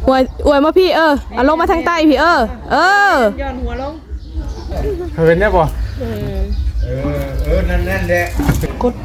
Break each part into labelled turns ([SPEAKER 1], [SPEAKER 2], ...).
[SPEAKER 1] อวยมาพี่เอาลงมาทางใต้พี่
[SPEAKER 2] ย้อนหัวลง
[SPEAKER 3] เห็นได้ป่ะ
[SPEAKER 4] นั่นแหละ
[SPEAKER 1] กด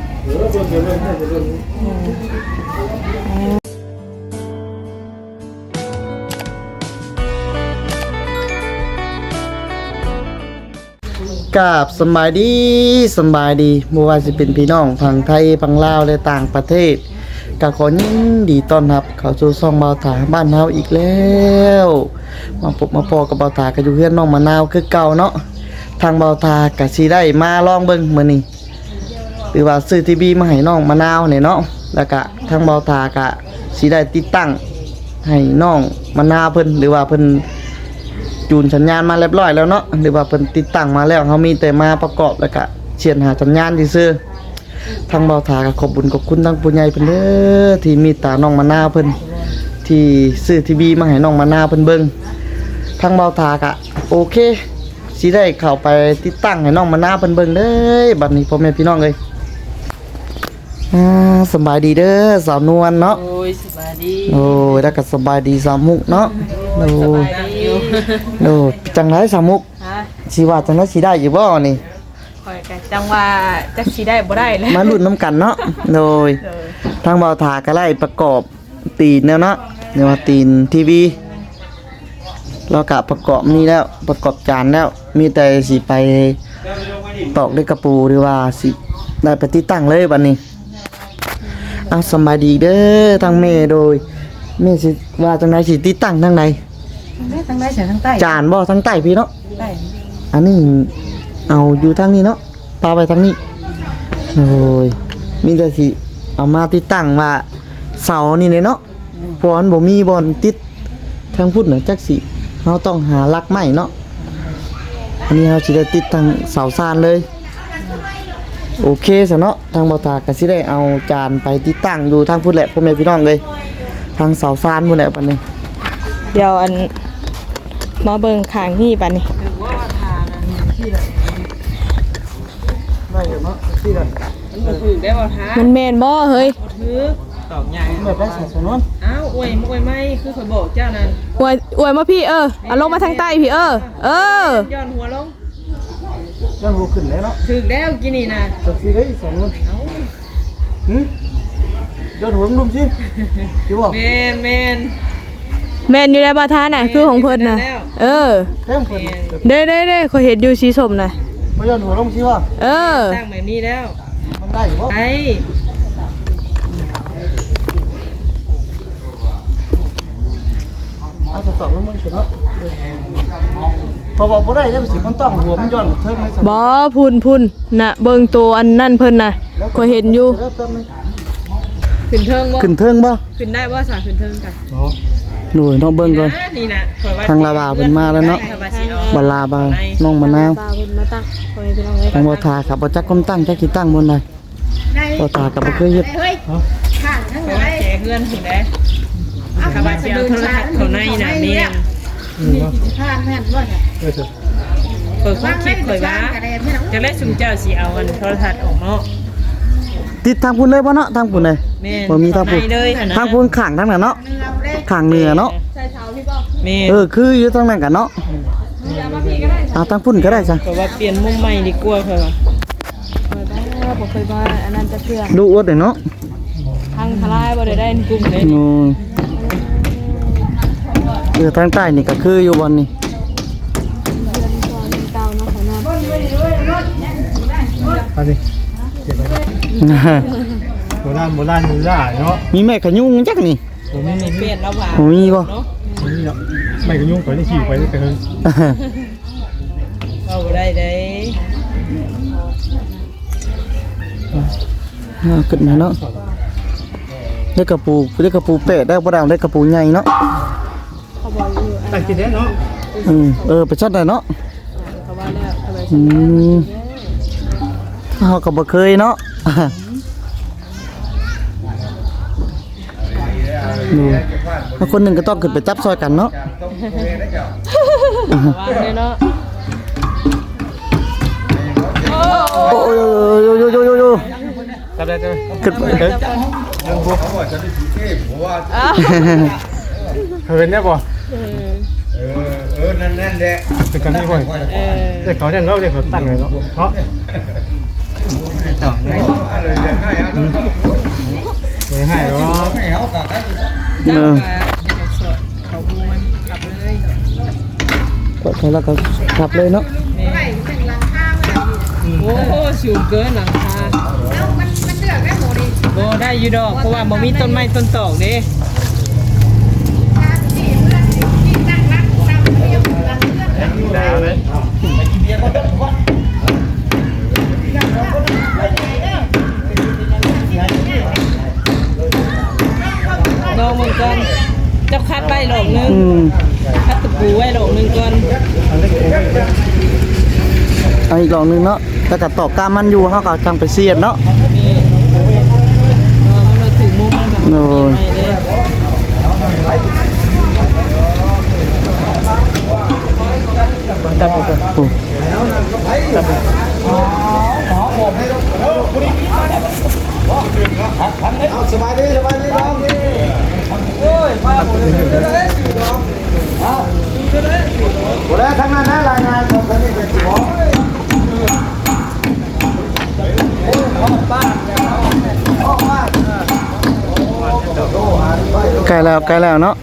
[SPEAKER 5] กราบสบายดีบ่ว่าสิเป็นพี่น้องฝั่งไทยฝั่งลาวและต่างประเทศก็ขอยินดีต้อนรับเข้าสู่ช่องเบาถาบ้านเฮาอีกแล้วมาพบมาพอกับเบาถาก็อยู่เฮือนน้องมะนาวคือเก่าเนาะทางเบาถาก็สิได้มาลองเบิ่งมื้อนี้หรือว่าซื้อทีวีมาให้น้องมะนาวนี่เนาะแล้วก็ทางเบาถาก็สิได้ติดตั้งให้น้องมะนาวเพิ่นหรือว่าเพิ่นจูนสัญญาณมาเรียบร้อยแล้วเนาะหรือว่าเพิ่นติดตั้งมาแล้วเฮามีแต่มาประกอบแล้วก็เชียนหาสัญญาณซื่อทางเบาถาก็ขอบคุญขอบคุณทางผู้ใหญ่เพิ่นเด้อที่มีตาน้องมะนาวเพิ่นที่ซื้อทีวีมาให้น้องมะนาวเพิ่นเบิ่งทางเบาถาก็โอเคสิได้เข้าไปติดตั้งให้น้องมะนาวเพิ่นเบิ่งเด้อบัดนี้พ่อแม่พี่น้องเอ้ยสบายดีเด้อสาวนวลเนาะ
[SPEAKER 2] โอ้ยสบายดี
[SPEAKER 5] โอ้ยแล้วก็สบายดีสาวมุกเนาะโอ้โอ้จังได๋สาวมุกสิว่าจังได๋สิได้อยู่บ่นี่
[SPEAKER 2] ข่อยก็จังว่าจักสิได้บ่ได้แล้ว
[SPEAKER 5] มาลุ้นน้ำกันเนาะโดยทางเบาถาก็ไล่ประกอบตีนแล้วเนาะเรียกว่าตีนทีวีเรากะประกอบนี่แล้วประกอบจานแล้วมีแต่สิไปตอกด้วยกระปูหรือว่าสิได้ไปติดตั้งเลยบัดนี้สบายดีเด้อทางแม่โดยแม่สิว่าจังได๋สิติดตั้งทางใด
[SPEAKER 2] ทางใดเสียทางใต้
[SPEAKER 5] จานบ่ทางใต้พี่เนาะ
[SPEAKER 2] ใต้
[SPEAKER 5] อันนี้เอาอยู่ทางนี้เนาะปาไปทางนี้โอ้ยมีแต่สิเอามาติดตั้งว่าเสานี่เลยเนาะเพราะมันบ่มีบอลติดทางพุทธน่ะจักสิเราต้องหาลักไม้เนาะอันนี้เราสิได้ติดทางเสาซานเลยโอเคซะเนาะทางบ่าวตาก็สิได้เอาจานไปติดตั้งอยู่ทางพุทธแหละพ่อแม่พี่น้องเลยทางเสาซานพุ่นแหละบัดนี้
[SPEAKER 1] เดี๋ยวอันมาเบิ่งข้างนี่บัดนี้มันแม่นบ่เฮ้ย
[SPEAKER 2] ตอกใหญ่
[SPEAKER 5] แบบได้ใส่สนวน
[SPEAKER 2] อ้าวอวยไม่คือข่อยบอกเจ้านั่น
[SPEAKER 1] อวยมาพี่เอาลงมาทางใต้พี่
[SPEAKER 2] ย้อนหัวลง
[SPEAKER 5] ย้อนหัวขึ้นแล้วเนาะ
[SPEAKER 2] ถึงแล้วกินนี่นะ
[SPEAKER 5] จักสิได้สนวนย้อนหัวนุ่มสิสิบ่
[SPEAKER 2] แม่น
[SPEAKER 1] อยู่ในบาทาน่ะคือของเพิ่นน่ะ
[SPEAKER 5] เต็มเพิ่น
[SPEAKER 1] ได้ขอยเห็นอยู่สีส้มน่ะ
[SPEAKER 5] บ่ย้อนหัวลงสิว่า
[SPEAKER 2] ตั้งแบบนี้แล้ว
[SPEAKER 5] มันได้บ่
[SPEAKER 2] ไอ้
[SPEAKER 5] จะตอบแล้วมันสิเนาะพอบอกบ่ได้แล้วสิมันต้องหัวมันย้อนเทิงให้
[SPEAKER 1] บ่พุ่นน่ะเบิ่งตัวอันนั่นเพิ่นน่ะก็เห็นอยู่
[SPEAKER 2] ขึ้นเทิงบ่ขึ้นได้บ่สาขึ้นเทิงกัน
[SPEAKER 5] หน่วยต้องเบิ่งก่อน
[SPEAKER 2] นี่น่ะ
[SPEAKER 5] ทางลาบาเพิ่นมาแล้วเนาะบลาบาน้องมะนาวทางบ่ทาครับบ่จักคนตั้งจักสิตั้งบนใดบ่ทาก็บ่เคยเฮ็ด
[SPEAKER 2] ข้างทั้งหลายแจกเงินถึงได้ข้าพเจ้าโทรทัศน์เขาในน่ะแม่ข้างแม่นบ่เนี่ยเปิดคลิปข่อยว่าจะได้ซุมเจ้าสิเอาอันโทรทัศน์ออกเนาะ
[SPEAKER 5] ติดทางพุ่นเลยบ่เนาะทางพุ่นเลยบ่มีทางพุ่นทางพุ่นข้างทางนั้นเนาะข้างเหนือเนาะ
[SPEAKER 2] ใช่เท้าพี่บ่
[SPEAKER 5] คืออยู่ทางนั้นกันเนาะทางพุ่นก็ได้จ้ะ
[SPEAKER 2] เพราะว่าเปลี่ยนมุมใหม่ดีกว่าค่ะ
[SPEAKER 1] บ่เคยว่าอันนั้นจะเชื่อ
[SPEAKER 5] ดูอวดเนาะ
[SPEAKER 1] ทางทลายบ่ได้กลุ่ม
[SPEAKER 5] เลยทางใต้นี่ก็คืออยู่บนนี่
[SPEAKER 3] ไปดิโบราณมือล่าเนาะ
[SPEAKER 5] มีแม่ขยุ่งจักนี่
[SPEAKER 2] มีเปลี่ยนแล้วว่า
[SPEAKER 5] มีบ่
[SPEAKER 3] มีเนาะแม่ขยุ่งไปได้ขี่ไปได้แต่เฮิง
[SPEAKER 2] เอาได้
[SPEAKER 5] ขึ้นมาเนาะได้กระปูเป็ดได้บ่ได้ได้กระปูใหญ่เนาะ
[SPEAKER 3] ตั้งกินได้เนาะ
[SPEAKER 5] ไปชัดได้เนาะเฮาก็บ่เคยเนาะคนหนึ่งก็ต้องขึ้นไปจับซอยกันเนาะโอ้ย
[SPEAKER 3] จับได้จับ
[SPEAKER 5] ขึ้นไป
[SPEAKER 4] เขาบอกจะได้สีเทพเพราะว่า
[SPEAKER 3] เคยเนี่ยบ่
[SPEAKER 4] นั่นแหละ
[SPEAKER 3] เป็นกันนี่บ่เด็กเขาเนี่ยเนาะเด็กเขาตั้งเลยเนาะเนาะต่อเลยไม่ให้หรอก
[SPEAKER 2] เจ้าก็สดเขาบูมันกลับเลย
[SPEAKER 5] ก็เขาแล้วก็ขับเลยเนาะ
[SPEAKER 2] โอ้โหสูงเกินหลังคาแล้วมันเดือดได้หมดดิโบได้อยู่ดอกเพราะว่าบ่มีต้นไม้ต้นตอกเด้
[SPEAKER 3] แล้วเลย
[SPEAKER 2] ลองมันก่อนเจ้าคัดไว้หลอกนึงคัดตะปูไว้หลอกนึงก่อน
[SPEAKER 5] เอาอีกหลองนึงเนาะแต่ก็ตอกกามมันอยู่เฮาก็จังไปเสียดเนาะ
[SPEAKER 2] นี่มันเราถึงมุมมันแบบ
[SPEAKER 5] โอ้ย
[SPEAKER 2] ไม่ได้
[SPEAKER 5] ตัดไปก่อนโอ้ตัดไป
[SPEAKER 4] สบายดีน้องโอ้แล้วทั้งนั้นนะรายงานของท่านนี่เป็นของ
[SPEAKER 5] ใกล้แล้วเนาะ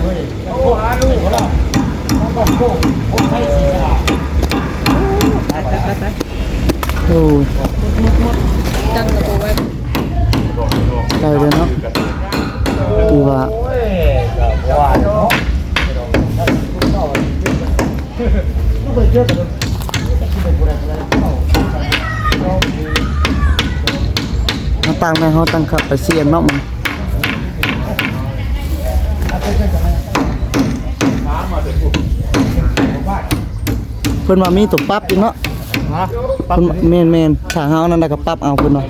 [SPEAKER 5] โอ้ย
[SPEAKER 2] ตั้งตะปูไว้
[SPEAKER 5] ใกล้เลยเนาะคือว่าเขาตั้งในเขาตั้งขับไปเสียนเนาะมันเพิ่นว่ามีตัวปรั๊บอีกเนาะ
[SPEAKER 3] ฮะ
[SPEAKER 5] เพิ่นแม่นๆถ้าเฮานั่นน่ะก็ปรั๊บเอาเพิ่นว่า
[SPEAKER 2] ให้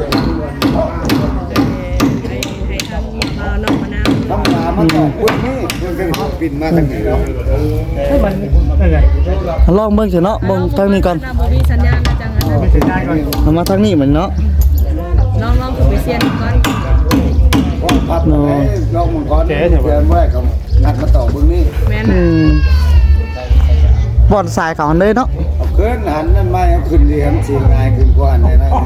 [SPEAKER 2] ทำมาน้องมะนาว
[SPEAKER 4] ทำงานมาต่อคุณนี่เพิ่งเป็นปิ่นมาตั้งแต่
[SPEAKER 3] นั่นไง
[SPEAKER 5] ลองเบิ่งสิเนาะเบิ่งทางนี้ก่อน
[SPEAKER 2] น้ำบ่มีสัญญาณนะจังนั้น
[SPEAKER 3] ไม่ถึงได้ก่อน
[SPEAKER 5] เอามาทางนี้เหมือนเนาะ
[SPEAKER 2] ลองไปเซียนก่อน
[SPEAKER 4] ก็พัดให้ลองมังกรเดินไว้กับนัดมาต่อบึงนี่
[SPEAKER 2] แม่น
[SPEAKER 5] อืมบ่อนสายเขาอันเลยเนาะ
[SPEAKER 4] เอาขึ้นหันนั่นไม่เอาขึ้นเรียนสีง่ายขึ้นกว่าในนั้น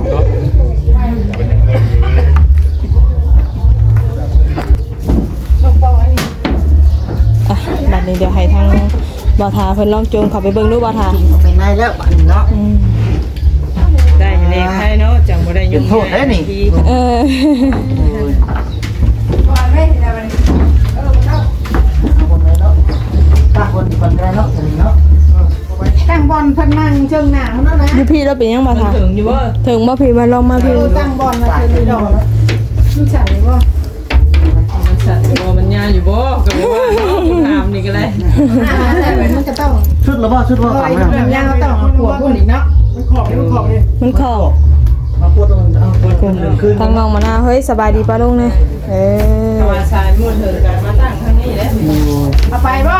[SPEAKER 1] อ่ะบัดนี้เดี๋ยวให้ทางบ่าวทาเพิ่นลองจูงเข้าไปเบิ่งดูบ่าวทา
[SPEAKER 5] เป็นไงแล้วบัดนี้เนาะ
[SPEAKER 2] ได้เลขให้เนาะจังบ่ได้ยุ่ง
[SPEAKER 5] โทษเด้นี่
[SPEAKER 1] เออ
[SPEAKER 6] ตั้งบอลเพิ่นนั่งเชิงหน้าเนาะนะ
[SPEAKER 1] อยู่พี่เราเป็นยังบ่าวทา
[SPEAKER 2] ถึงอยู่บ่
[SPEAKER 1] ถึงบ่พี่มาลองมาพี่
[SPEAKER 6] ตั้งบอลมาเชิงนี่ดอกมันสั่นเลยบ่
[SPEAKER 2] มันสั่นอยู่บ่มันยาอยู่บ่ก็บ่ว่าเนาะถามนี่ก็ได้
[SPEAKER 6] แต่มันจะต้อง
[SPEAKER 5] ชุดละบ่ชุดว่า
[SPEAKER 6] ลอ
[SPEAKER 5] ฝั
[SPEAKER 6] ย
[SPEAKER 5] งแล้ว
[SPEAKER 6] แบบยางเราต้องขวบพุ่นอีกเนาะ
[SPEAKER 1] มันเข้า
[SPEAKER 5] มาปวดตรงเอาปวดขึ้น
[SPEAKER 1] ทางน้องมะนาวเฮ้ยสบายดีป่ะลุงเนี่ยเออ
[SPEAKER 2] ถ้าว่าชายมุ่นเถิดกันมาตั้งทางนี้แหละ
[SPEAKER 6] เอาไปบ่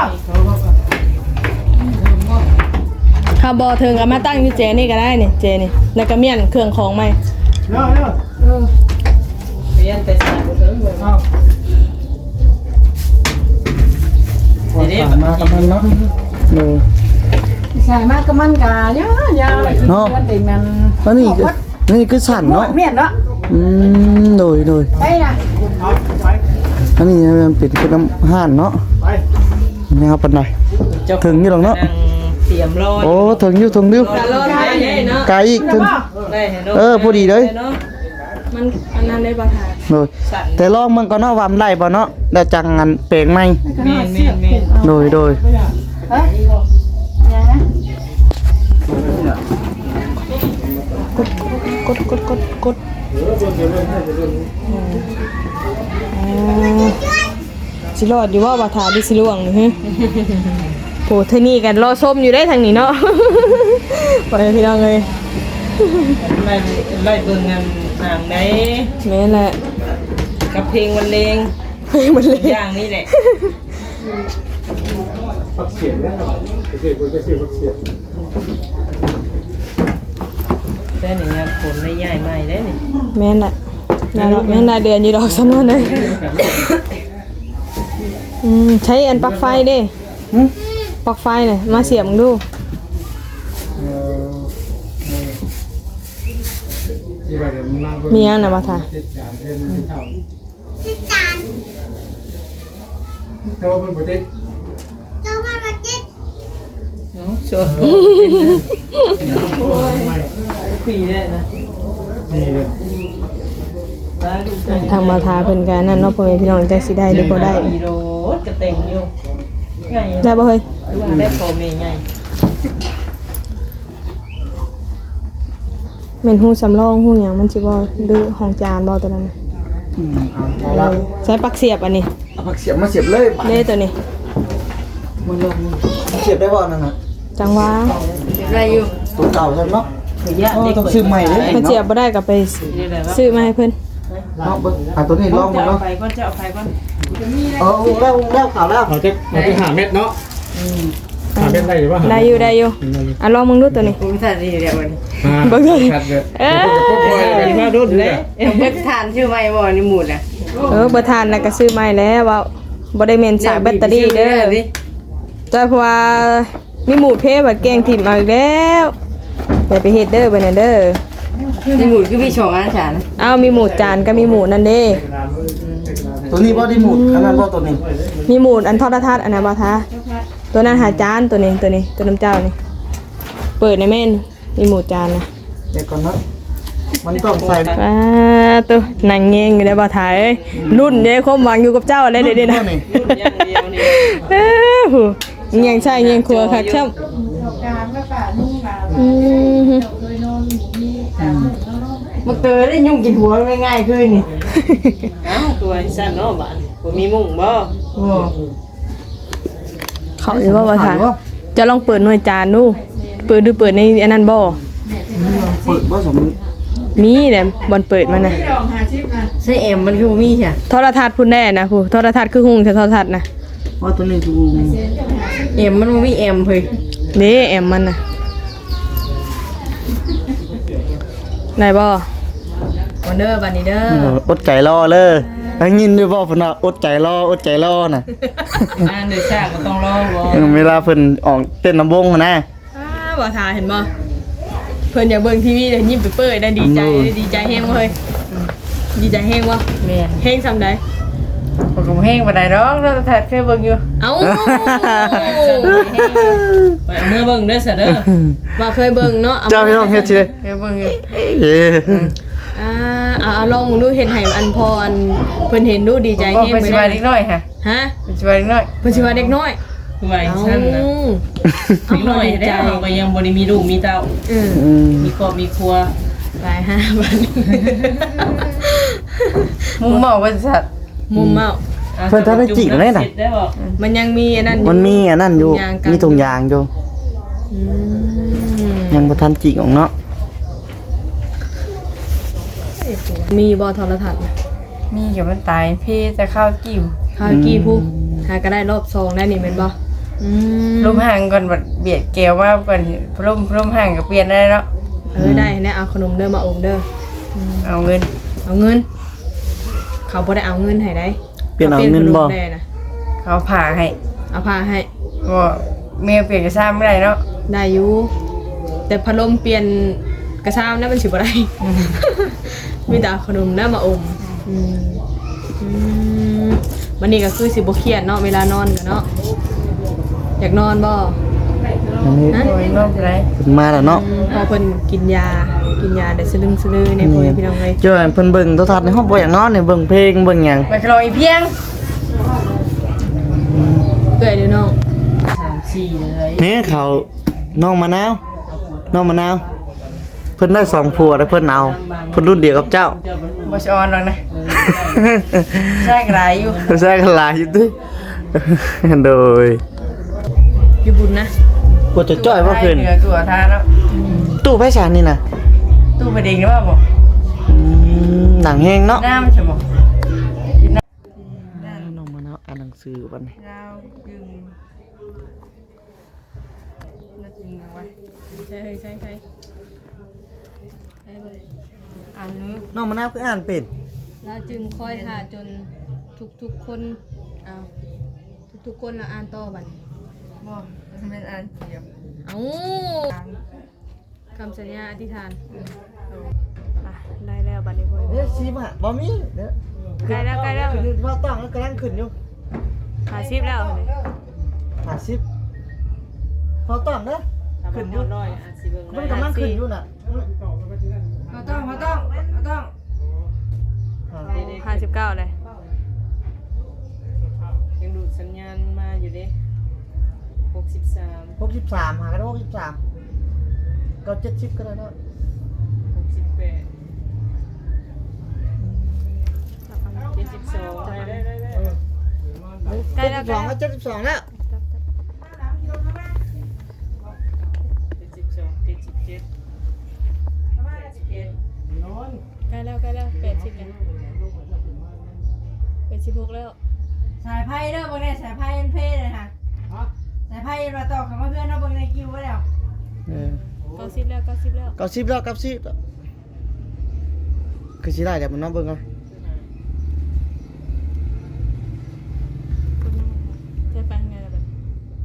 [SPEAKER 1] ถ้าบ่ถึงก็มาตั้งอยู่เจนี่ก็ได้นี่เจนี่แล้วก็เมียนเครื่องของใหม่
[SPEAKER 2] เรียนแต่สายบ่ถึงเบิ่งเนาะ
[SPEAKER 5] มากับมันเนาะเนาะ
[SPEAKER 6] ใช่มากก็มันกะเยอะๆมันติมัน
[SPEAKER 5] แล้วนี่คือสั่นเนาะ
[SPEAKER 6] เมียนเนาะ
[SPEAKER 5] โดย
[SPEAKER 6] ไปน่ะ
[SPEAKER 5] อันนี้มันเป็นคือน้ำห่านเนาะนี่ครับปานใดถึงอยู่หรอกเนาะ
[SPEAKER 2] นั่งเตรียมรอ
[SPEAKER 5] โอ้ถึงอยู่
[SPEAKER 2] รอได้เนาะ
[SPEAKER 5] ไกลอีกถึง
[SPEAKER 2] ได้เนาะ
[SPEAKER 5] พอดีเลย
[SPEAKER 1] มันอันนั้นได้บ่ทา
[SPEAKER 5] โดยแต่ลองมันก็เนาะวามได้บ่เนาะแล้วจังงันเปลงใหม่
[SPEAKER 2] แม่น
[SPEAKER 5] โดย
[SPEAKER 6] เฮ้ยนะ
[SPEAKER 1] กดสิรอดอยู่ว่าบ่ทาดิสิล่วงนี่ฮะโหเท่านี้กันรอส้มอยู่ได้ทางนี้เนาะ ไปพี่น้องเอ้ย
[SPEAKER 2] ไล่เบิ่งกันห่างได้
[SPEAKER 1] แม่นแหละ
[SPEAKER 2] กับเพลงบรรเลง
[SPEAKER 1] เฮ้ยมันเลย
[SPEAKER 2] อย่างนี้แหละ
[SPEAKER 3] ฟักเสียงเนี่ยเสียงฟักเสียง
[SPEAKER 2] แต่นี่งานผลไม่ใหญ่ใหม่ได้นี่
[SPEAKER 1] แม่นแหละแม่นได้เดือนอยู่ดอกซ้ำนั่นเลยใช้อันปลั๊กไฟเด้ปลั๊กไฟน่ะมาเสียบมึงดูมีอันน่ะบ่ทา
[SPEAKER 2] ชัวร์ปีได้นะ
[SPEAKER 1] ทางมาทาเพิ่นกันนั่นเนาะพ่อแม่พี่น้องจักสิได้หรือบ่ได้
[SPEAKER 2] มีโรถกระเต็งอยู่ไง
[SPEAKER 1] ได้บ่เฮ้ย
[SPEAKER 2] ได้โฟมไง
[SPEAKER 1] แม่นฮู้สำรองฮู้หยังมันสิบ่ดื้อห้องจานบ่ตัวนั้นน่ะ
[SPEAKER 5] เอาละ
[SPEAKER 1] ใช้ปลั๊กเสียบอันนี้
[SPEAKER 5] เอาผักเสียบมาเสียบเลย
[SPEAKER 1] เด้ตัวนี้
[SPEAKER 5] มันลงเสียบได้บ่นั่นน่ะ
[SPEAKER 1] จังหวะ
[SPEAKER 2] ได้อยู่
[SPEAKER 5] ตัวเก่าใช่เนาะ
[SPEAKER 2] ขยะ
[SPEAKER 5] อ๋อ
[SPEAKER 2] เด็ก
[SPEAKER 5] ต้องซื้อใหม่เลย
[SPEAKER 1] ถ้าเสียบบ่ได้ก็ไปซื้อมาให้เพิ่น
[SPEAKER 5] เนาะเบิ่งตัวนี้ลอง
[SPEAKER 2] จะ
[SPEAKER 5] มา
[SPEAKER 2] เอา
[SPEAKER 5] เนาะ
[SPEAKER 2] ไปก่อนจะเอาไปก่อน
[SPEAKER 5] แล้วข่าวแล้ว
[SPEAKER 3] เราจะหาเม็ดเนาะหาเม็ดได้หรือว่า
[SPEAKER 1] ได้อยู่อ่ะลองมึงดูตัวนี้
[SPEAKER 2] ผมทานนี่เดี๋ยววันนี้
[SPEAKER 1] บ่เคย
[SPEAKER 3] เออมาดูเลย
[SPEAKER 2] เบิกทานชื่อไม่บ่นี่หมูดอ่ะ
[SPEAKER 1] บ่ทานน่ะก็ซื้อใหม่แล้วว่าบ่ได้แม่นสายแบตเตอรี่เด้อจ้าเพราะว่ามีหมูเพบัดแกงถิ่มเอาอีกแล้วอย่าไปเฮ็ดเด้อบัดนั้นเด้อ
[SPEAKER 2] นี่หมูดคือพี่ชงอันฉัน
[SPEAKER 1] อ้าวมีหมูจานก็มีหมูนั่นเด้
[SPEAKER 5] ตัวนี้บ่ได้หมุดอันนั้นบ่ตัวนี้
[SPEAKER 1] มีหมูอันทอดทัดอันนั้นบ่ทาตัวนั้นหาจานตัวนี้ตัวน้ำเจ้านี่เปิดในแม่นมีหมูจานนะ
[SPEAKER 5] เดี๋ยวก่อนเนาะมันต้องใส่
[SPEAKER 1] ว้าตัวนั่งเงงอยู่ได้บ่ทาเอ้ยรุ่นเด้ความหวังอยู่กับเจ้าอะไรเด้ๆนะ
[SPEAKER 5] นี่
[SPEAKER 2] อย่างเดียวนี่
[SPEAKER 1] เอ้อหูเงียงใช่เงียงครัวคักครับอืม
[SPEAKER 2] มันเตยได้ยุ่งกินหัวง่ายๆขึ้นนี่เอ้าตัวสั้นเนาะบ้านบ่มีมุ้งบ่
[SPEAKER 1] เขาอยู่ว่าบ่ทาจะลองเปิดหน่วยจานดูเปิดดูเปิดในอันนั้นบ่
[SPEAKER 5] เปิดบ่สม
[SPEAKER 1] มีแหละบ่เปิดมันน่ะ
[SPEAKER 2] ใช่เอ็มมันคือบ่มีใช่
[SPEAKER 1] โทรทัศน์พุ่นแน่นะผู้โทรทัศน์คือหุงแต่โทรทัศน์นะ
[SPEAKER 5] ว่าตัวนี้ถูก
[SPEAKER 2] เอ็มมันบ่มีเอ็มเฮ้ย
[SPEAKER 1] นี่แอมมันน่ะไหนบ่วันเด้อบัดนี้เด้อ
[SPEAKER 5] อดใจรอเลยได้ยินด้วยบ่เพิ่นว่าอดใจรอน่ะ
[SPEAKER 2] อันเดือดชาก็ต้องรอบ่
[SPEAKER 5] เวลาเพิ่นออกเต้นลำวงนะ
[SPEAKER 1] บ่ทาเห็นบ่เพิ่นอยากเบิ่งทีวีเด้ยิ้มไปเปิดได้ดีใจแฮงบ่เฮ้ยดีใจแฮงบ่
[SPEAKER 2] แม่น
[SPEAKER 1] แฮงซำใด
[SPEAKER 2] ผมก็แห้งบ่ได้ดอกเราถ่ายเคยเบิ่งอยู่
[SPEAKER 1] เอ้า
[SPEAKER 2] ไปเอามือเบิ่งเด้อซะเด้อ
[SPEAKER 1] ว่าเคยเบิ่งเนาะ
[SPEAKER 5] เจ้าพี่น้องเฮ็ดสิ
[SPEAKER 2] เคยเบิ่งอยู่
[SPEAKER 5] เอ้
[SPEAKER 1] เอาลองมึงดูเห็นให้อันพออันเพิ่นเห็นดูดีใจ
[SPEAKER 2] บ่
[SPEAKER 1] แฮง
[SPEAKER 2] เป็นสิว่าเล็กน้อยค่ะ
[SPEAKER 1] ฮะ
[SPEAKER 2] เป็นสิว่าเล็กน้อย
[SPEAKER 1] เพิ่นสิว่าเด็กน้อย
[SPEAKER 2] คือว่าซั่นน่ะเล็กน้อยได้เฮาก็ยังบ่ได้มีลูกมีเต้า
[SPEAKER 1] อืม
[SPEAKER 2] มีครอบมีครัว
[SPEAKER 1] หลาย5บาท
[SPEAKER 2] มุมเมาว่าสัตว์
[SPEAKER 1] มุมเมา
[SPEAKER 5] เพิ่นทันได้จิกเลยน่ะ
[SPEAKER 2] ได้บ่
[SPEAKER 1] มันยังมีอันนั้นอยู่
[SPEAKER 5] มันมีอันนั้นอยู่มีถุงยางอยู่
[SPEAKER 1] อืม
[SPEAKER 5] ยังบ่ทันจิกของเนาะ
[SPEAKER 1] มีบอโทรทัศน์
[SPEAKER 2] มีเดี๋ยวมันตายพี่จะเข้ากิ้ว
[SPEAKER 1] ข้าวกี่ผู้หาก็ได้รอบซองได้นี่เป็นบ่อืม
[SPEAKER 2] ลมห่างก่อนบัดเบียดแก้วว่าก่อนลมห่างก็เปลี่ยนได้แล้ว
[SPEAKER 1] ได้เนี่ยเอาขนมเด้อมาอมเด้อ
[SPEAKER 2] เอาเงิน
[SPEAKER 1] เอาเงิน เขาบ่ได้เอาเงินให้ได้
[SPEAKER 5] เปลี่ยนเอาเงินบ่
[SPEAKER 1] ขได้นะ
[SPEAKER 2] เขาผ่าให้
[SPEAKER 1] เอาผ้าให้
[SPEAKER 2] บ่เมียเปลี่ยนกระซ้ำไม่ได้เนาะ
[SPEAKER 1] ได้อยู่แต่พัดลมเปลี่ยนกระซ้ำนั้นมันสิบ่ได้ มีแต่เอาขนมเด้อมาอมอืมอืมวันนี้ก็คือสิบ่เครียดเนาะเวลานอนกันเนาะอยากนอนบ่
[SPEAKER 5] อันนี้
[SPEAKER 1] ฮะ
[SPEAKER 2] โอ้ยนอกจากไร
[SPEAKER 5] เพิ่นมาแล้วเนาะ
[SPEAKER 1] พอเพิ่นกินยาเดี๋ยวสลึงสลือในพ่อแม่พี่น้องเลย
[SPEAKER 5] เจ้าเพิ่นเบิ่งโทรทัศน์ในห้องบ่อยากนอนนี่เบิ่งเพลงเบิ่งหยัง
[SPEAKER 2] ไปคลอยเพียง
[SPEAKER 1] เกิดเดี๋ยวน้อง
[SPEAKER 2] 3-4เลย
[SPEAKER 5] นี่เขาน้องมะนาวเพิ่นได้2ผัวแล้วเพิ่นเอาเพิ่นรุ่นเดียวกับเจ้า
[SPEAKER 2] บ่ชอนหรอกนะใช่กระไรอยู่
[SPEAKER 5] ใช่กันหลายอยู่ติโดย
[SPEAKER 1] อยู่บุญนะ
[SPEAKER 5] กว่าจะจ้อยว่าเพิ่น
[SPEAKER 2] เหนือตัวทานแล้ว
[SPEAKER 5] ตู้ไผชานนี่น่ะ
[SPEAKER 2] ตู้ประเด็นหรือเปล่าบ่
[SPEAKER 5] หนังแห้งเนาะ
[SPEAKER 2] น้ำใช่บ่
[SPEAKER 5] น้องมะนาวอ่านหนังสือบัดนี้
[SPEAKER 2] เราดึงน่าจริงนะวะ
[SPEAKER 1] ใช่
[SPEAKER 2] อันนี้
[SPEAKER 5] น้องมะนาวคืออ่านเป็น
[SPEAKER 1] เราจึงคอยหาจนทุกคนเอาทุกคนละอ่านต่อบัดนี้
[SPEAKER 2] บ่เป็นอันเดียว
[SPEAKER 1] เอ้าคำสัญญาอธิษฐานอ่ะได้แล้วบัดนี้พ่อ
[SPEAKER 5] เด้อสิมาบ่มีเด้อ
[SPEAKER 1] ใกล้แล้วใกล้แล้ว
[SPEAKER 5] ขึ้นอยู่ว่าต้องแล้วกำลังขึ้นอยู่
[SPEAKER 1] 50แล้วนี่
[SPEAKER 5] 50พอต้องเด้อขึ้นอยู่
[SPEAKER 2] ร้อยอาจสิเบิ่ง
[SPEAKER 5] มันกำลังขึ้นอยู่น่ะ
[SPEAKER 2] บ่ต้อง
[SPEAKER 1] 59เลย
[SPEAKER 2] ยังดูดสัญญาณมาอยู่เด้63
[SPEAKER 5] 63หากัน63ก็70ก็ได้เนาะ
[SPEAKER 2] 68 72ได้
[SPEAKER 1] ใกล้แล้ว
[SPEAKER 5] 72ก็72แล้ว
[SPEAKER 2] 72 77
[SPEAKER 1] ใกล้แล้ว80แล้ว86แล้ว
[SPEAKER 6] สายไพ่เด้อบ่ได้สายไพ่อันเพศเลยค่ะสายไพ่มาต่อคำว่าเพื่อนเนาะเบิ่งในคิวไว้แล้ว
[SPEAKER 1] 90แล้ว90แล้ว
[SPEAKER 5] 90แล้วคือสิได้เดี๋ยวมันน้องเบิ่งเอา
[SPEAKER 1] จะไปทางไหนล่ะบัด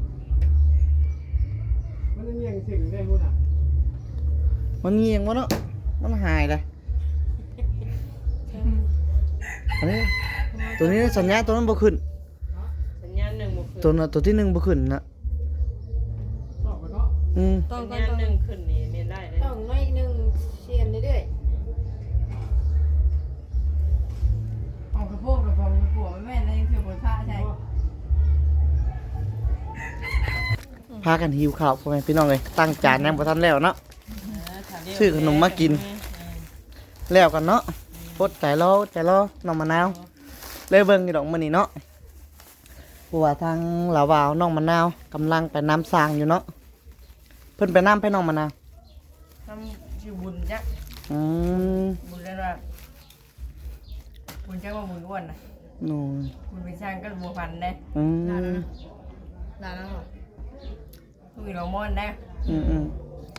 [SPEAKER 3] มันเงียงสิ่งได้หุ่นอ่ะ
[SPEAKER 5] มันเงียงบ่เนาะมันหายเลยอันนี้ตัวนี้สัญญาณตัวนั้นบ่ขึ้น
[SPEAKER 2] สัญญาณ1บ่ขึ้น
[SPEAKER 5] ตัวที่1บ่ขึ้นนะ
[SPEAKER 3] ชอบกันเนาะ
[SPEAKER 1] ต้อง
[SPEAKER 2] สัญ
[SPEAKER 1] ก่อน
[SPEAKER 2] ญาณ1ขึ้นนี่เรียนได้เด้
[SPEAKER 6] ต้องน้อยนึงเชียนเรื่อยๆของกระโปงกับของผัวแม่ในเถื่อบนผ้าใช่
[SPEAKER 5] พากันหิวข้าวพ่อแม่พี่น้องเลยตั้งจานยังบ่ทันแล้วเนาะ ซื้อขนมมากิน แล้วกันเนาะปดใจรอน้องมะนาวเลยเบิ่งอยู่ดอกมื้อนี้เนาะเพราะว่าทางหลาวาวน้องมะนาวกำลังไปน้ำสร้างอยู่เนาะเพิ่นไปน้ำไปน้องมะนาว
[SPEAKER 2] ทำชื่อบุญจัก
[SPEAKER 5] อืม
[SPEAKER 2] บุญแล้วว่าบุญจักว่าบุญอ้วนน่ะ
[SPEAKER 5] โน่น
[SPEAKER 2] บุญไปสร้างก็บัวพันได้
[SPEAKER 5] อืม
[SPEAKER 1] ลาแล้วเหรอ
[SPEAKER 2] ทุกเราม่อนได้
[SPEAKER 5] อืม
[SPEAKER 1] อีก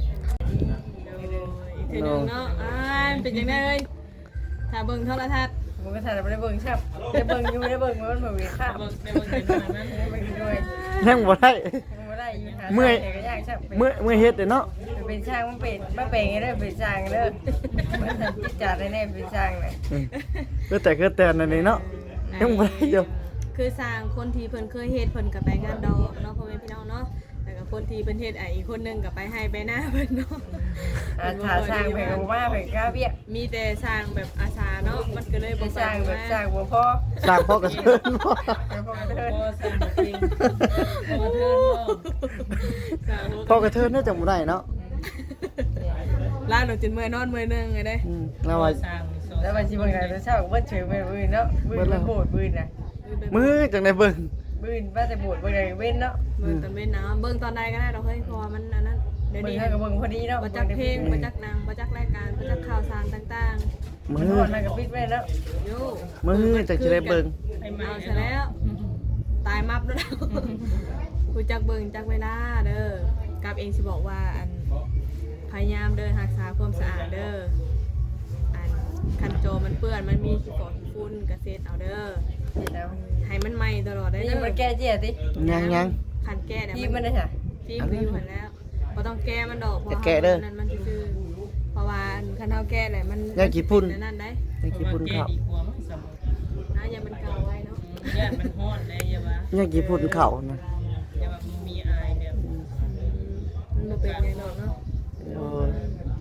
[SPEAKER 1] ทีหนึงเนาะเป็นจังได๋เอ้ยถ้าเบิ่งโทรทัศน์
[SPEAKER 2] ผมก็ถ่ายไม่ได้เบิ่งชับได้เบิ่งอยู่ได้เบิ่งมันเหมือนมีค่าได้เบิ่งอยู่นั้นได้เบิ่งอยู่ด้วย
[SPEAKER 5] ยังบ่ได้
[SPEAKER 2] ไม่ได้อยู่หา
[SPEAKER 5] เมื่อย
[SPEAKER 2] แต่ก็ยากชับ
[SPEAKER 5] เมื่อเฮ็ดเด้อเนาะ
[SPEAKER 2] เป็นช่างมันเป็นไงเด้อเป็นช่างเด้อมันทันจิตจัดได้แน่เป็นช่างเลย
[SPEAKER 5] ก็แต่นั่นนี่เนาะยังบ่ได้อยู่
[SPEAKER 1] คือสร้างคนที่เพิ่นเคยเฮ็ดเพิ่นก็ไปงานดอกเนาะพ่อแม่พี่น้องเนาะแต่ก็คนที่เพิ่นเฮ็ดอีกคนนึงก็ไปให้ไปหน้าเพิ่นเนาะ
[SPEAKER 2] ถ้าสร้างไปก็ว่าไปก้าเบี้ย
[SPEAKER 1] มีแต่สร้างแบบอาสาเนาะมันก็เลยบ่
[SPEAKER 2] สร้างแบบสร้างบัวพอ
[SPEAKER 5] สร้างพ่อกระเทินบ่
[SPEAKER 2] พอกระเทินสร้างจริงพอกระเทิน
[SPEAKER 1] สร้าง
[SPEAKER 5] พ่อกระเทินน่าจะบ่ได้เนาะ
[SPEAKER 1] ลาหนูจนเมื่อยนอนมื้อนึงไงเด้
[SPEAKER 5] แล้วว่า
[SPEAKER 2] แล้วมันสิเบิ่งได้เช้าเบิ่งถือไปบื้นเนาะบื้นโบดบื้นน่ะ
[SPEAKER 5] มือจังได้เบิ่ง
[SPEAKER 2] บื้นว่าแต่โบดเบิ่งได้เว้นเนาะ
[SPEAKER 1] เบิ่งตอนเว้นน้ำเบิ่งตอนใดก็ได้ดอกเฮ้ยเพราะว่ามันอันนั้นเดี๋ยว
[SPEAKER 2] เบิ่ง
[SPEAKER 1] นี้
[SPEAKER 2] ให้ก็เบิ่งพอดีเนาะ
[SPEAKER 1] บ่จักเพลงบ่จักหนังบ่จักรายการบ่จักข่าวสารต่าง
[SPEAKER 5] มื
[SPEAKER 2] มัน
[SPEAKER 5] อ
[SPEAKER 2] นอนนั่นก็ปิดไว้เนาะ
[SPEAKER 1] ๆโย
[SPEAKER 5] มือจังสิได้เบิ่ง
[SPEAKER 1] เอาซะแล้ว ตายมับแล้วกูจักเบิ่งจักเวลาเด้อกับเองสิบอกว่าอันพยายามเด้อรักษาความสะอาดเด้ออันคันโจมันเปื้อนมันมีขี้กอกขี้ฝุ่นก็เซ็ดเอาเด้อ
[SPEAKER 2] แล้ว
[SPEAKER 1] ให้มันใหม่ตลอดได้
[SPEAKER 2] นี่
[SPEAKER 1] เด้อ
[SPEAKER 2] มันแก้เจี๊ยติ
[SPEAKER 5] ยัง
[SPEAKER 1] คันแก้เนี่ย
[SPEAKER 2] ที่มันได้ค่ะ
[SPEAKER 1] ฟิล์มคืออยู่หันแล้วบ่ต้องแก้มันดอกเพราะ
[SPEAKER 5] จะแก้เด้อ
[SPEAKER 1] นั้นมันซื่อเพราะว่าคันเฮาแก้แหละมัน
[SPEAKER 5] ยากี่พุ่น
[SPEAKER 1] นั่นได้
[SPEAKER 5] ยังกี่พุ่นเข้า
[SPEAKER 1] อย่ามันเก่าไว้เนาะ
[SPEAKER 2] ย่านมันฮ้อนเลยอย่าว่า
[SPEAKER 5] ยังกี่พุ่นเข้านะ
[SPEAKER 2] อย่าว่ามีอายเนี่ย
[SPEAKER 1] มันบ่เป็นไงเนาะเนาะ
[SPEAKER 5] โอ้ย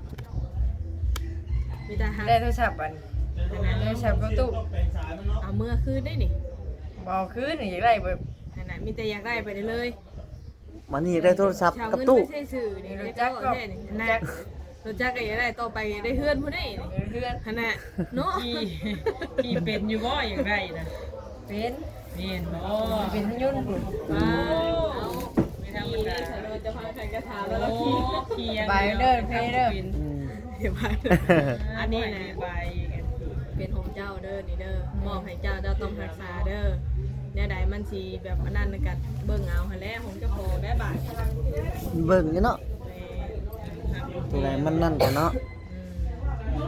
[SPEAKER 1] มีแต่หัก
[SPEAKER 2] ได้โทรศัพท์อันโทรศัพท์ก็ตู้
[SPEAKER 1] เอาเมื่อคืนได้นี่
[SPEAKER 2] บ่คืนนี่อยากได้แบบ
[SPEAKER 1] ขนาดมีแต่อยากได้ไปได้เลย
[SPEAKER 5] มานี่ได้โทรศัพท์
[SPEAKER 1] ชาว
[SPEAKER 5] กับ
[SPEAKER 1] เงิน
[SPEAKER 5] ตู้
[SPEAKER 1] ไม่ใช่สื่อนี่ได้จักก็แท้นี่นะรถจักก็อยากได้ต่อไปได้เฮือนผู้ใดนี่
[SPEAKER 2] เพื่อน
[SPEAKER 1] ขนาดเนาะ
[SPEAKER 2] ที่เป็นอยู่บ่อย่างไรนะเป็นบ่เป็นยุ่น
[SPEAKER 1] ว้าเอาไม่ธรรมดาเราจะพาใครกระถามแล้วเราขี่
[SPEAKER 2] บายเด้อเพเด้อ
[SPEAKER 1] เดี๋ยวมาอันนี้นะ
[SPEAKER 2] บาย
[SPEAKER 1] เป็นของเจ้าเด้อนี่เด้อมอบให้เจ้าเจ้าต้องรักษาเด้อเนี่ยใดมันสิแบบอันนั้นกันเบิ่งเอาหั่นแหละของเจ้าของได้บาท
[SPEAKER 5] เบิ่งอยู่เนาะตัวไหนมันนั่นกันเนาะ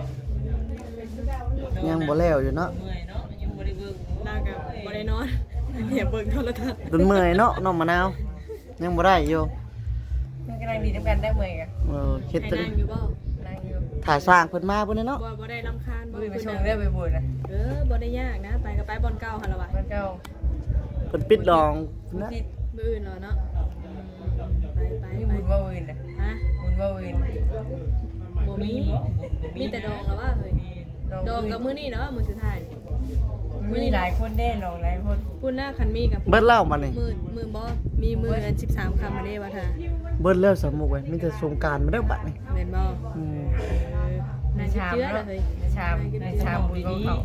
[SPEAKER 5] ยังบ่แล้วอยู่เนาะ
[SPEAKER 2] เมื่อยเนาะยังบ่ได้เบิ่ง
[SPEAKER 1] นางกับบ่ได้นอนเหี่ยเบิ่งโทรทัศน์
[SPEAKER 5] จนเมื่อยเนาะน้องมะนาวยังบ่ได้อยู่
[SPEAKER 2] มันกำลังดีน้ำกันได้เมื่อยกัน
[SPEAKER 5] เฮ็ด
[SPEAKER 1] ให้
[SPEAKER 5] ตึง
[SPEAKER 1] นั่งอยู่บ่
[SPEAKER 2] นั่งอยู่
[SPEAKER 5] ถ่ายสร้างเพิ่นมาพุ่นเนาะ
[SPEAKER 1] บ่ได้รำคาญบ่
[SPEAKER 2] บุยไปชงได้ไปบุญนะ
[SPEAKER 1] บ่ได้ยากนะไปก็ไปบอลเก่าหั่นล่ะว่ะ
[SPEAKER 2] มันเจ้า
[SPEAKER 5] เพิ่นปิดดองนะ
[SPEAKER 2] ที่
[SPEAKER 1] มื้ออื่นเหรอเนาะไป
[SPEAKER 2] ที่
[SPEAKER 1] ไป
[SPEAKER 2] บุญว่าวินนะ
[SPEAKER 1] ฮะ
[SPEAKER 2] บุญว่าวิน
[SPEAKER 1] บ่มีแต่ดองแล้วว่าเฮ้ยดองกับมื้อนี้เนาะมื้อสุดท้าย
[SPEAKER 2] มีหลายคนแน่นอนหลายคน
[SPEAKER 1] พูดหน้าคันมีกับ
[SPEAKER 5] เบิดแล้วบัดนี้
[SPEAKER 1] มือบ่มีมืออัน13คำมาได้ว่าท่า
[SPEAKER 5] เบิดแล้วสมุกเว้ยมีแต่สงกรานต์มาแล้วบัดนี้
[SPEAKER 1] แม่นบ่
[SPEAKER 5] อืม
[SPEAKER 1] น่าสิเชื่อเลยเฮ้ย
[SPEAKER 2] ในชามบุญของเขา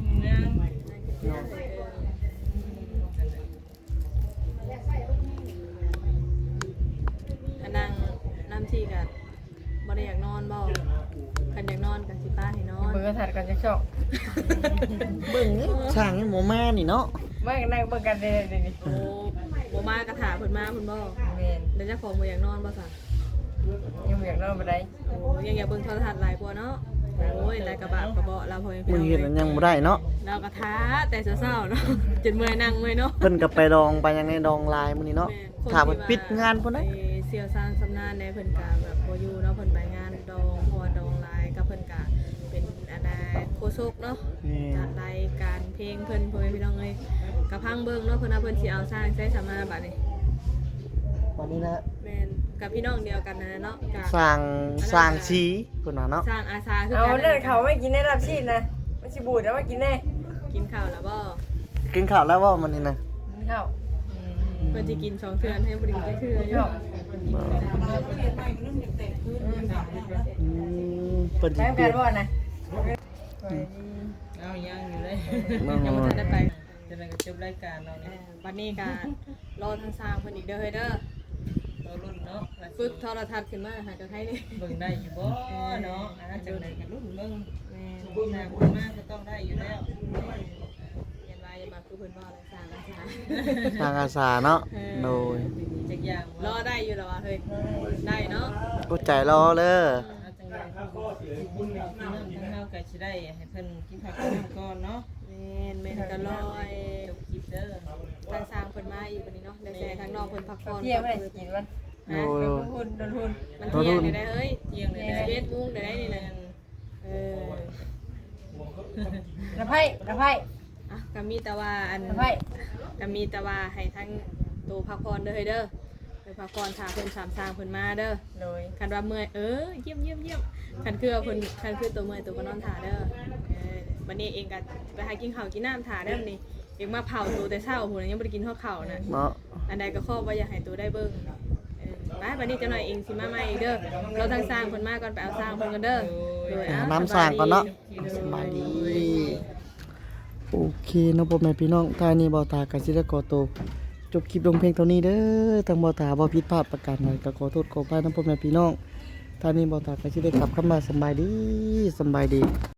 [SPEAKER 1] อันนั่งน้ำที่กับบ่ได้อยากนอนบ่คันอยากนอนกับสิป้าให้นอน
[SPEAKER 2] เบิ่งกระถัดกันจะชอบ
[SPEAKER 5] เบิ่งนี่ช่างนี่หมูมานี่เนาะ
[SPEAKER 2] ไม่นั่งเบิ่งกันเลยนี่
[SPEAKER 1] โอ้บ่มากระถาเพิ่นมาเพิ่นบ่
[SPEAKER 2] เมน
[SPEAKER 1] เดี๋ยวเจ้าของบ่อยากนอนบ่ซะ
[SPEAKER 2] ยังอยากนอนไปได้
[SPEAKER 1] โอ้ยังอยากเบิ่งโทรทัศน์หลายกว่าเนาะโอ้ยหลายกระบะกระเบาะเราพอ
[SPEAKER 5] มึงเฮ็ดอันยังบ่ได้เนาะ
[SPEAKER 1] เรากระทาแต่เช้าๆเนาะจนเมื่อยนั่งเมื่อยเนาะ
[SPEAKER 5] เพิ่นก็ไปดองไปยังในดองลายมื้อนี้เนาะถ้าเพิ่นปิดงานพุ่น
[SPEAKER 1] ไป
[SPEAKER 5] นะ
[SPEAKER 1] เสี่ยวซานสำนานในเพิ่นกาแบบบ่อยู่เนาะเพิ่นไปงานดองเพราะว่าดองหลายกับเพิ่นกาเป็นอันน่ะโคโซกเนาะจัดรายการเพลงเพิ่นพ่อแม่พี่น้องเอ้ยกะพังเบิ่งเนาะเพิ่นว่าเพิ่นสิเอาสร้างใช้สามาบัดนี้
[SPEAKER 5] วันนี้นะ
[SPEAKER 1] แม่นกับพี่น้องเดียวกันนั่นน่ะเนาะกะ
[SPEAKER 5] สร้างชีเพิ่นว่าเนาะ
[SPEAKER 1] สร้างอาสาคือ
[SPEAKER 2] เอา
[SPEAKER 1] กัน
[SPEAKER 2] เลิกเขาไม่กินได้รับชีพนะไม่ชิบูดแล้วมากินแน่
[SPEAKER 1] กินข้าวแล้วบ่
[SPEAKER 5] กินข้าวแล้วว่ามันนี่นะ
[SPEAKER 2] กินข้าว
[SPEAKER 1] เพิ่นสิกิน2เทื่อให้บ่ได้กินจักเทื่ออยู่
[SPEAKER 5] เพิ่นสิ
[SPEAKER 2] แป้ง
[SPEAKER 5] เปลี่
[SPEAKER 2] กั
[SPEAKER 5] ย
[SPEAKER 2] น
[SPEAKER 5] น
[SPEAKER 2] บ่นะ
[SPEAKER 7] เอายังอยู่เลย
[SPEAKER 1] ยังบ่ทันได้ไป
[SPEAKER 7] จะได้จบรายการเราเนี่ย
[SPEAKER 1] บัดนี้ก็รอทางสร้างเพิ่นอีกเด้อเฮ้ยเด้อ
[SPEAKER 7] เรารุ่นเนาะ
[SPEAKER 1] ฝึกโทรทัศน์ขึ้นมาหาจังได๋นี่
[SPEAKER 7] เบิ่งได้อยู่บ่เนาะจังได๋กันรุ่นเบิ่ง
[SPEAKER 1] แม่น
[SPEAKER 7] ผู้นาผู้มากก็ต้องได้อยู่แล้ว
[SPEAKER 1] เรียนว่าอย่ามาคือเพิ่นว่าอะไรสร้างอาสา
[SPEAKER 5] ทางอาสาเนาะโดย
[SPEAKER 7] จักอย่าง
[SPEAKER 1] รอได้อยู่แล้วว่ะเฮ้ยได้เนาะ
[SPEAKER 5] กูใจรอเด้อ
[SPEAKER 7] เอาจังได๋ผู้น้ำทั้งเฮาก็สิได้ให้เพิ่นกินข้าวกินน้ำก่อนเนาะ
[SPEAKER 1] แม่นก็รอไอ้
[SPEAKER 7] จบคลิปเด้อ
[SPEAKER 1] ทางสร้างเพิ่นมาอีกวันนี้เนาะได้แซ่ทางนอกเพิ่นพักผ่อน
[SPEAKER 2] เที่ยงไม่ได้กินมัน
[SPEAKER 5] โดย
[SPEAKER 2] หุ่นโดนหุ่น
[SPEAKER 1] มันเที่ยงได้เฮ้ย
[SPEAKER 7] เที่ยงเลยได้
[SPEAKER 1] 11:00นได้นี่นะเออ
[SPEAKER 2] ระไพ่ระไพ่
[SPEAKER 1] อ่ะก็มีแต่ว่าอัน
[SPEAKER 2] ระไพ่
[SPEAKER 1] ก็มีแต่ว่าให้ทั้งตัวพักผ่อนเด้อเฮ้ยเด้อไปพักผ่อนถ้าเพิ่นสามสร้างเพิ่นมาเด้อ
[SPEAKER 2] โดย
[SPEAKER 1] คันว่าเมื่อยเยี่ยมคันคือว่าเพิ่นคันคือตัวเมื่อยตัวก็นอนถ่าเด้อวันนี้เองก็ไปหากินข้าวกินน้ำถ่าเด้อนี่เองมาเผาตัวแต่เช้าพุ่นยังบ่ได้กินข้าวเข่านะ
[SPEAKER 5] เนาะ
[SPEAKER 1] อันใดก็ขอว่าอยากให้ตัวได้เบิ่งไปวันนี้จะหน่อยเองสิมาใหม่อีกเด้อเราทางสร้างเพิ่นมาก่อนไปเอาสร้างเพิ่นกันเด้อโดย
[SPEAKER 5] น้ำสร้างก่อนเนาะสบายดีโอเคเนาะพ่อแม่พี่น้องท่านี้บ่าวตาก็สิได้ขอตัวจบคลิปลงเพลงเท่านี้เด้อทางบ่าวตาบ่ผิดพลาดประการใดก็ขอโทษขออภัยนะพ่อแม่พี่น้องท่านี้บ่าวตาก็สิได้กลับเข้ามาสบายดี